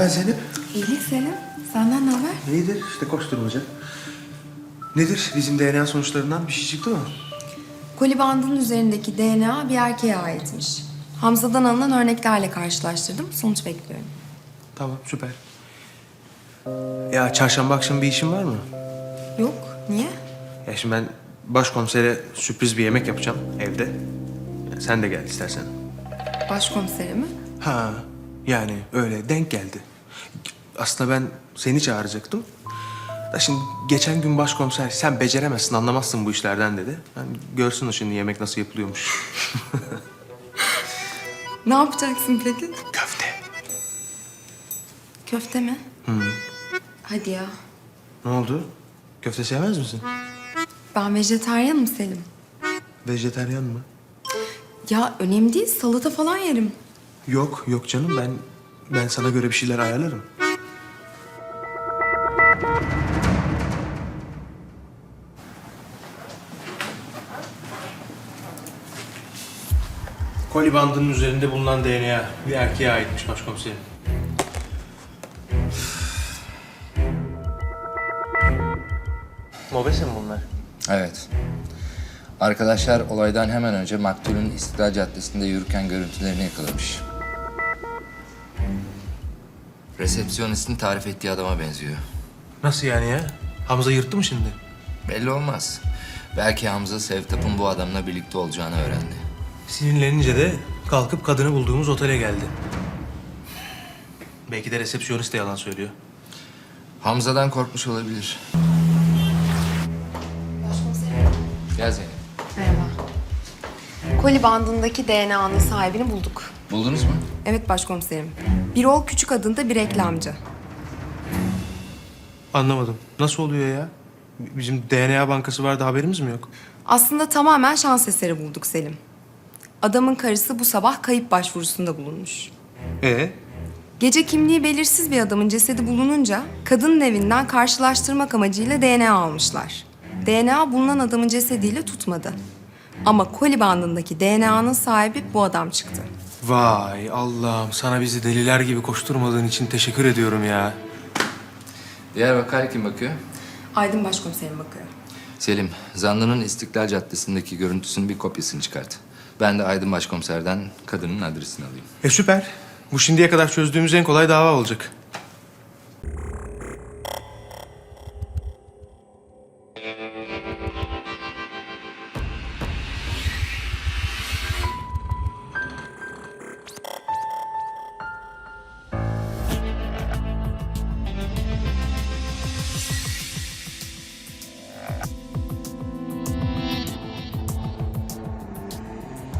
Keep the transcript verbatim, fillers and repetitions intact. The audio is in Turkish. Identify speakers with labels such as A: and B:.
A: haber Zeynep?
B: İyilik Selim. Senden ne haber?
A: İyidir, işte koşturmaca. Nedir? Bizim D N A sonuçlarından bir şey çıktı mı?
B: Koli bandının üzerindeki D N A bir erkeğe aitmiş. Hamza'dan alınan örneklerle karşılaştırdım. Sonuç bekliyorum.
A: Tamam, süper. Ya çarşamba akşamı bir işin var mı?
B: Yok. Niye?
A: Ya şimdi ben başkomisere sürpriz bir yemek yapacağım evde. Ya sen de gel istersen.
B: Başkomiseri mi?
A: Ha, yani öyle denk geldi. Aslında ben seni çağıracaktım. Da şimdi geçen gün başkomiser sen beceremezsin, anlamazsın bu işlerden dedi. Yani görsün o şimdi yemek nasıl yapılıyormuş.
B: Ne yapacaksın peki?
A: Köfte.
B: Köfte mi?
A: Hı.
B: Hadi ya.
A: Ne oldu? Köfte sevmez misin?
B: Ben vejetaryenim Selim.
A: Vejetaryen mı?
B: Ya önemli değil. Salata falan yerim.
A: Yok, yok canım. Ben ben sana göre bir şeyler ayarlarım. Koli bandının üzerinde bulunan D N A bir erkeğe aitmiş başkomiserim. Mobese mi bunlar?
C: Evet. Arkadaşlar olaydan hemen önce maktulün İstiklal Caddesi'nde yürürken görüntülerini yakalamış. Resepsiyonistin tarif ettiği adama benziyor.
A: Nasıl yani ya? Hamza yırttı mı şimdi?
C: Belli olmaz. Belki Hamza Sevtap'ın bu adamla birlikte olacağını öğrendi.
A: Sinirlenince de kalkıp kadını bulduğumuz otele geldi. Belki de resepsiyonist de yalan söylüyor.
C: Hamza'dan korkmuş olabilir.
B: Başkomiserim.
C: Gel Zeynep.
B: Merhaba. Koli bandındaki D N A'nın sahibini bulduk.
C: Buldunuz mu?
B: Evet başkomiserim. Birol Küçük adında bir reklamcı.
A: Anlamadım. Nasıl oluyor ya? Bizim D N A bankası vardı, haberimiz mi yok?
B: Aslında tamamen şans eseri bulduk Selim. Adamın karısı bu sabah kayıp başvurusunda bulunmuş.
A: Ee?
B: Gece kimliği belirsiz bir adamın cesedi bulununca kadının evinden karşılaştırmak amacıyla D N A almışlar. D N A bulunan adamın cesediyle tutmadı. Ama koli bandındaki D N A'nın sahibi bu adam çıktı.
A: Vay Allah'ım, sana bizi deliler gibi koşturmadığın için teşekkür ediyorum ya.
C: Diğer vakaya kim bakıyor?
B: Aydın başkomiserim bakıyor.
C: Selim, zanlının İstiklal Caddesi'ndeki görüntüsünün bir kopyasını çıkart. Ben de Aydın Başkomiser'den kadının adresini alayım.
A: E süper. Bu şimdiye kadar çözdüğümüz en kolay dava olacak.